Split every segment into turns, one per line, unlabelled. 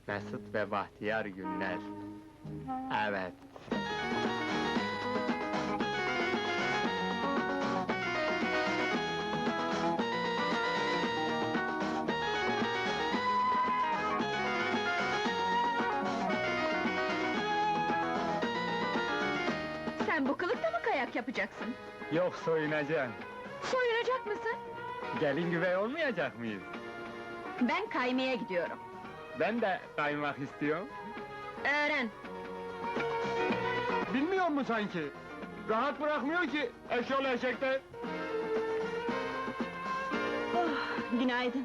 Mesut ve bahtiyar günler. Evet.
Sen bu kılıkta mı kayak yapacaksın?
Yok, soyunacağım.
Soyunacak mısın?
Gelin güvey olmayacak mıyız?
Ben kaymaya gidiyorum.
Ben de kaymak istiyorum.
Öğren!
Bilmiyor mu sanki? Rahat bırakmıyor ki eşyol eşekte.
Oh, günaydın.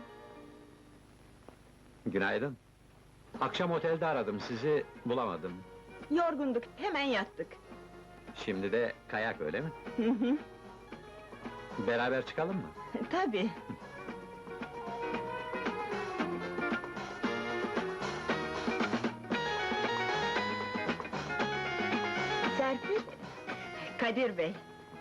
Günaydın. Akşam otelde aradım sizi, bulamadım.
Yorgunduk, hemen yattık.
Şimdi de kayak öyle mi?
Hı hı,
Beraber çıkalım mı?
tabii. Serpil, Kadir Bey.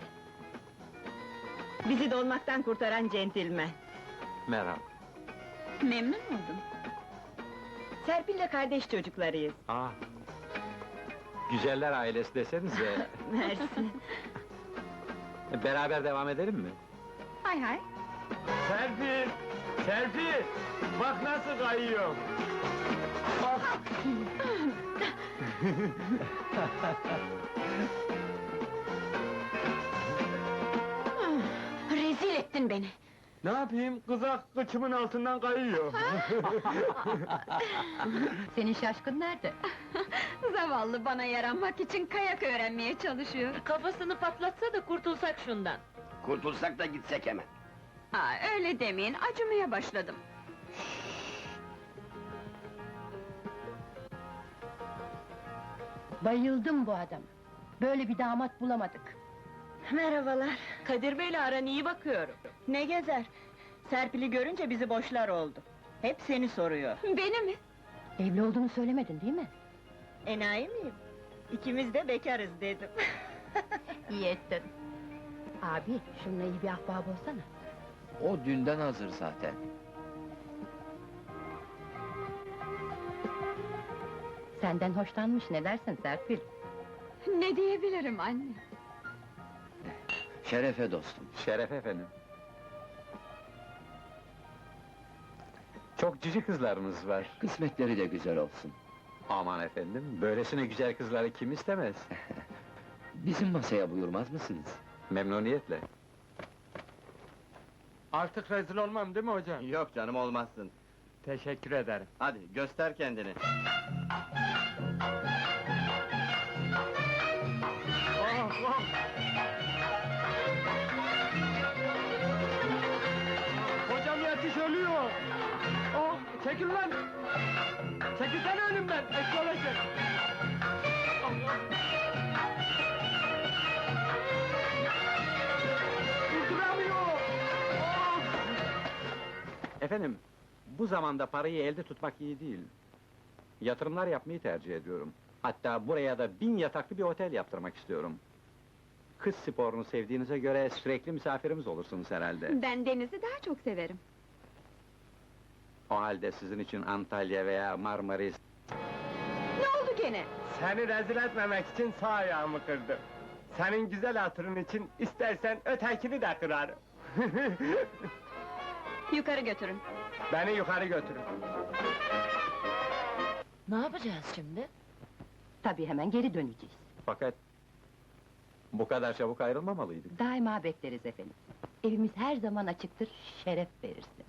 Bizi dolmaktan kurtaran centilmen.
Merhaba.
Memnun oldum. Serpil'le kardeş çocuklarıyız.
Aa. Güzeller ailesi desenize.
Mersi.
Beraber devam edelim mi?
Hay hay.
Serpil! Serpil! Bak nasıl kayıyor! Bak!
Rezil ettin beni.
Ne yapayım? Kızak kıçımın altından kayıyor.
Senin şaşkın nerede? Zavallı bana yaranmak için kayak öğrenmeye çalışıyor.
Kafasını patlatsa da kurtulsak şundan.
Kurtulsak da gitsek hemen.
Ha, öyle demeyin, acımaya başladım.
Bayıldım bu adama. Böyle bir damat bulamadık.
Merhabalar.
Kadir Bey'le aran iyi bakıyorum.
Ne gezer? Serpil'i görünce bizi boşlar oldu. Hep seni soruyor. Beni mi?
Evli olduğunu söylemedin değil mi?
Enayi miyim? İkimiz de bekarız dedim.
İyi ettin. Abi, şununla iyi bir ahbap olsana.
O dünden hazır zaten.
Senden hoşlanmış, ne dersin Serpil?
Ne diyebilirim anne?
Şerefe dostum.
Şeref efendim. Çok cici kızlarınız var.
Kısmetleri de güzel olsun.
Aman efendim, böylesine güzel kızları kim istemez?
Bizim masaya buyurmaz mısınız?
Memnuniyetle.
Artık rezil olmam değil mi hocam?
Yok canım, olmazsın.
Teşekkür ederim.
Hadi göster kendini.
Oh, oh! Hocam yetiş, ölüyor! Oh, çekil lan! Çekilsene önümden, eşyol eşek! Allah! Durduramıyor! Oh!
Efendim, bu zamanda parayı elde tutmak iyi değil. Yatırımlar yapmayı tercih ediyorum. Hatta buraya da 1000 yataklı bir otel yaptırmak istiyorum. Kız sporunu sevdiğinize göre sürekli misafirimiz olursunuz herhalde.
Ben denizi daha çok severim.
O halde sizin için Antalya veya Marmaris...
Ne oldu gene?
Seni rezil etmemek için sağ ayağımı kırdım. Senin güzel hatırın için istersen ötekini de kırarım.
Yukarı götürün.
Beni yukarı götürün.
Ne yapacağız şimdi?
Tabii hemen geri döneceğiz.
Fakat... Bu kadar çabuk ayrılmamalıydık.
Daima bekleriz efendim. Evimiz her zaman açıktır, şeref verirsin.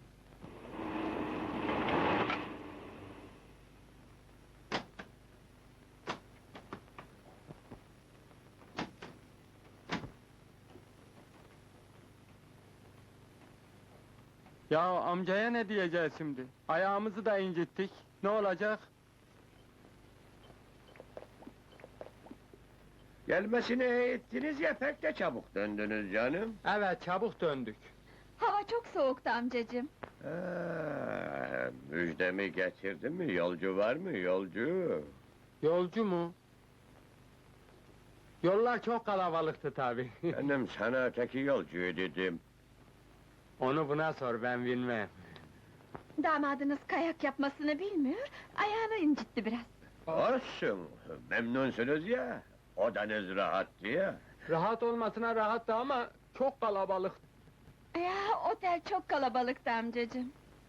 Ya amcaya ne diyeceğiz şimdi? Ayağımızı da incittik. Ne olacak?
Gelmesini ettiniz ya, pek de çabuk döndünüz canım.
Evet, çabuk döndük.
Hava çok soğuktu amcacığım.
Müjdemi getirdin mi? Yolcu var mı, yolcu?
Yolcu mu? Yollar çok kalabalıktı tabii.
Benim sana öteki yolcuyu dedim.
Onu buna sor, ben bilmem.
Damadınız kayak yapmasını bilmiyor, ayağını incitti biraz.
Olsun, memnunsunuz ya. Odanız rahat diye.
Rahat olmasına rahattı ama çok kalabalık.
Ya, otel çok kalabalıktı amcacığım.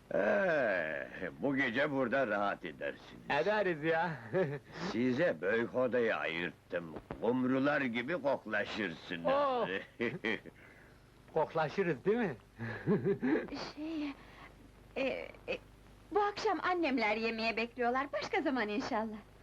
Bu gece burada rahat edersiniz.
Ederiz ya.
Size büyük odayı ayırttım. Kumrular gibi koklaşırsınız.
Oh! Koklaşırız değil mi?
Şey... bu akşam annemler yemeğe bekliyorlar, başka zaman inşallah.